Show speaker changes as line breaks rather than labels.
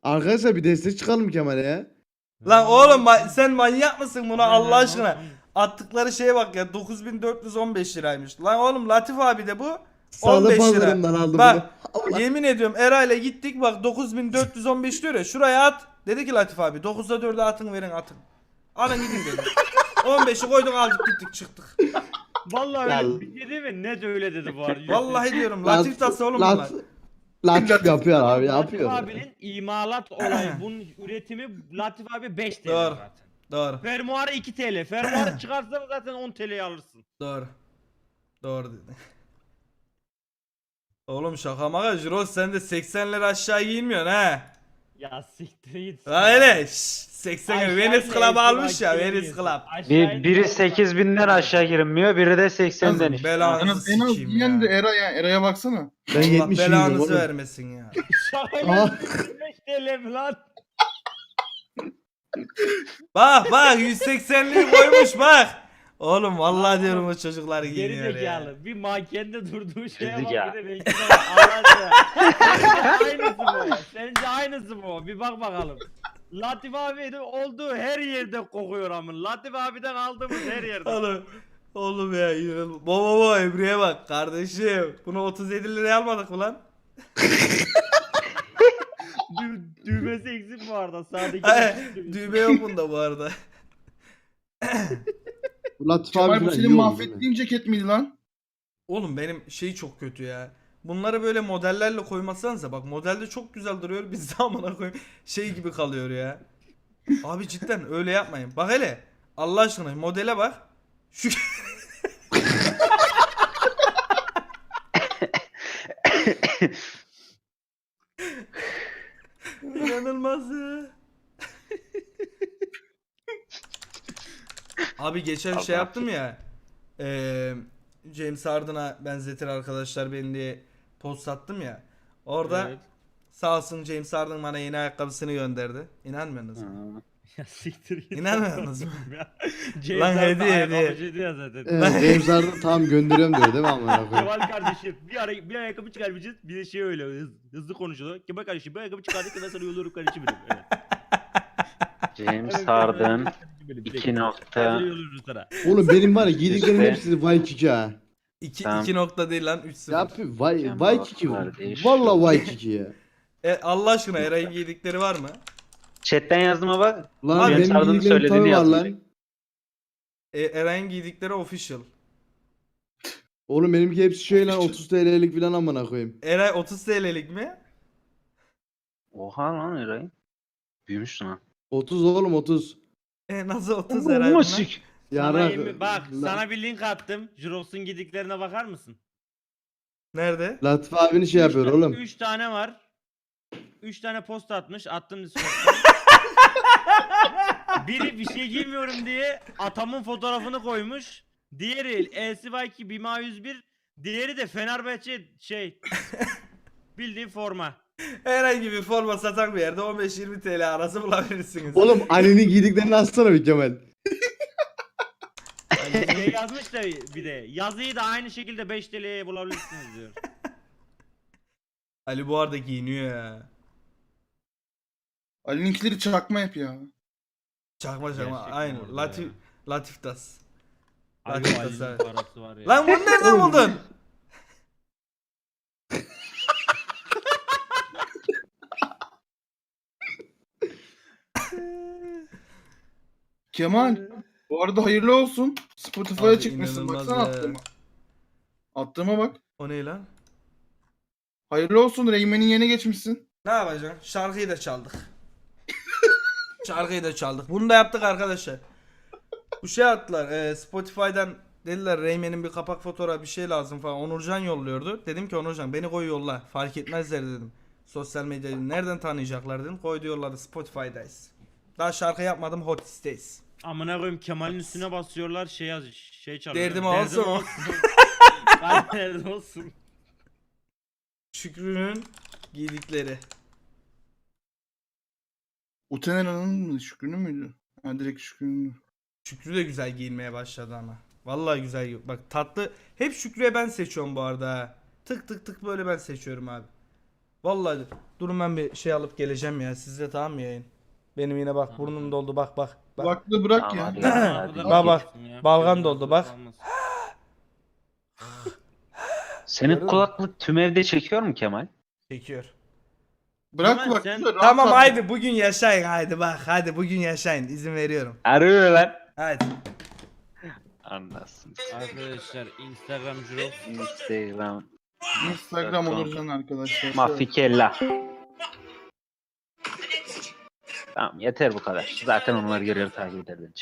Arkadaşlar bir destek çıkalım Kemal'e ya.
Lan oğlum sen manyak mısın buna Allah aşkına? Attıkları şeye bak ya 9415 liraymış. Lan oğlum Latif abi de bu
Sağda
15 lira.
pazarından aldım
Bak
bunu. Allah.
yemin ediyorum Eray'la gittik bak 9415 diyor ya şuraya at. Dedi ki Latif abi 9'da 4'e atın verin atın. Alın gidin dedi. 15'i koyduk aldık gittik çıktık.
Vallahi
Ya-
öyle bir şey değil mi? Net öyle dedi bu arada.
Vallahi diyorum Latif tası oğlum bunlar.
Latif yapıyor abi
Latif
yapıyor.
abinin imalat olayı, bunun üretimi Latif abi 5 TL
Doğru.
zaten.
Doğru.
Fermuarı 2 TL. Fermuarı çıkarsan zaten 10 TL'ye alırsın.
Doğru. Doğru dedi. Oğlum şaka maka Jirox sen de 80 lira aşağı giyinmiyorsun ha.
Ya siktir git.
Öyle 80
Aşağı
Venice
in,
Club almış
aşağı
ya
in.
Venice Club.
Aşağı in.
Biri 8000'den aşağı girilmiyor, biri de 80'den işte.
Belanızı
En az
sikeyim
diyen de
ya.
Era ya. Era'ya baksana.
Ben
Allah
70 giydim
belanızı
oğlum.
vermesin ya.
Şakayla
Aa.
5 TL mi lan?
Bak 180'liği koymuş bak. Oğlum vallahi diyorum o çocuklar
Geri
giyiniyor ya.
zekalı. Bir mankende durduğu şeye
Dedik
bak
ya.
bir de belki de Allah aşkına. Aynısı bu. Sence aynısı bu. Bir bak bakalım. Latif abi de olduğu her yerde kokuyor amın. Latif abiden aldığımız her yerde.
Oğlum ya inanılmaz. Baba Emre'ye bak kardeşim. Bunu 37 liraya almadık mı lan?
Düğmesi eksik bu arada. Sağdaki
Düğme yok bunda bu arada.
Latif
Kemal
abi
bu
falan
senin
iyi oldu değil mi?
mahvettiğin ceket miydi lan?
Oğlum benim şey çok kötü ya. Bunları böyle modellerle koymasanıza bak modelde çok güzel duruyor biz de amına koyayım şey gibi kalıyor ya. Abi cidden öyle yapmayın. Bak hele Allah aşkına modele bak. Şu İnanılmaz ya. Abi geçen şey yaptım ya. James Harden'a benzetir arkadaşlar beni diye post attım ya. Orada
Evet.
sağ olsun James Harden bana yeni ayakkabısını gönderdi. İnanmıyorsunuz mu?
Ya siktir git.
İnanmıyorsunuz mu?
James
Lan
Harden
hediye,
ayakkabı
hediye.
şeydi ya zaten.
Evet, James Harden tamam gönderiyorum diyor değil mi amına koyayım?
Kemal kardeşim bir ayakkabı çıkarmışız bir de şey öyle hızlı konuşuyor. Kemal kardeşim bir ayakkabı çıkardık ben sana yolluyorum kardeşim benim. Öyle.
James Harden 2 nokta.
Ben sana yolluyorum sana.
Oğlum benim var ya giydiklerimin
İşte.
hepsi Waikiki ha.
2
Tamam.
2 nokta değil lan 3-0.
Ya yapıyor
Kemal
Waikiki.
kardeş.
Valla Waikiki ya.
Allah aşkına Eray'ın giydikleri var mı?
Chatten yazdığıma bak.
Lan
James
benim
Harden'ın
giydiklerim tabii
söylediğini
var
yazdım.
lan.
Eray'ın giydikleri official.
Oğlum benimki hepsi şey lan 30 TL'lik falan amına koyayım.
Eray 30 TL'lik mi?
Oha lan Eray. Büyümüşsün ha.
30 oğlum 30.
Nasıl 30 Eray bunlar?
Sana
Yarrak.
yemin bak
Lan-
sana bir link attım. Jirox'un gidiklerine bakar mısın?
Nerede?
Latif abini şey yapıyor oğlum.
3 tane var. 3 tane post atmış. Attım Discord'dan. Biri bir şey giymiyorum diye atamın fotoğrafını koymuş. Diğeri LCY2 Bima 101. Diğeri de Fenerbahçe şey bildiğin forma.
Herhangi bir forma satan bir yerde 15-20 TL arası bulabilirsiniz.
Oğlum Ali'nin giydiklerini atsana bir Kemal.
Şey yazmış da bir de yazıyı da aynı şekilde 5 TL'ye bulabilirsiniz diyor.
Ali bu arada giyiniyor ya.
Ali'ninkileri çakma yap ya.
Çakma
Gerçekten
aynı.
orada
Latif
ya.
Latif das.
Abi
Latif
Ali'nin
das.
parası var ya.
Lan bunu nereden buldun?
Kemal. Bu arada hayırlı olsun. Spotify'a
Abi
çıkmışsın.
inanılmaz
Baksana
ya.
attığıma. Attığıma bak.
O ne lan?
Hayırlı olsun. Reymen'in yerine geçmişsin.
Ne yapacaksın? Şarkıyı da çaldık. Şarkıyı da çaldık. Bunu da yaptık arkadaşlar. Bu şey attılar. Spotify'dan dediler Reymen'in bir kapak fotoğrafı bir şey lazım falan. Onurcan yolluyordu. Dedim ki Onurcan beni koy yolla. Fark etmezler dedim. Sosyal medyayı nereden tanıyacaklar dedim. Koydu yolladı. Spotify'dayız. Daha şarkı yapmadım. Hotis'teyiz.
Amına koyayım Kemal'in üstüne basıyorlar şey çalıyor.
Derdim olsun o.
Ben derdim olsun.
Şükrü'nün giydikleri.
Utenera'nın mı? Şükrü'nün müydü? Ha direkt Şükrü'nün.
Şükrü de güzel giyinmeye başladı ama. Vallahi güzel. Bak tatlı. Hep Şükrü'ye ben seçiyorum bu arada ha. Tık tık tık böyle ben seçiyorum abi. Vallahi durun ben bir şey alıp geleceğim ya. Sizde tamam mı yayın? Benim yine bak burnum doldu bak.
Kulaklığı bırak
Tamam,
ya.
hadi.
Hadi.
Bak, bak.
Ya,
Balgam
gözün
doldu,
hazır
bak.
kalmasın.
Senin
Görüyor
kulaklık tüm evde çekiyor mu Kemal?
Çekiyor.
Bırak
Kemal,
kulaklığı.
sen-
rahat
Tamam
rahat.
haydi bugün yaşayın haydi bak. Hadi bugün yaşayın. İzin veriyorum.
Arıyor lan.
Haydi.
Anlasın.
Arkadaşlar Instagram Jirox.
Instagram olacaksın arkadaşlar.
Mafikella. Tamam yeter bu kadar. Zaten onlar görüyor takip eder bence.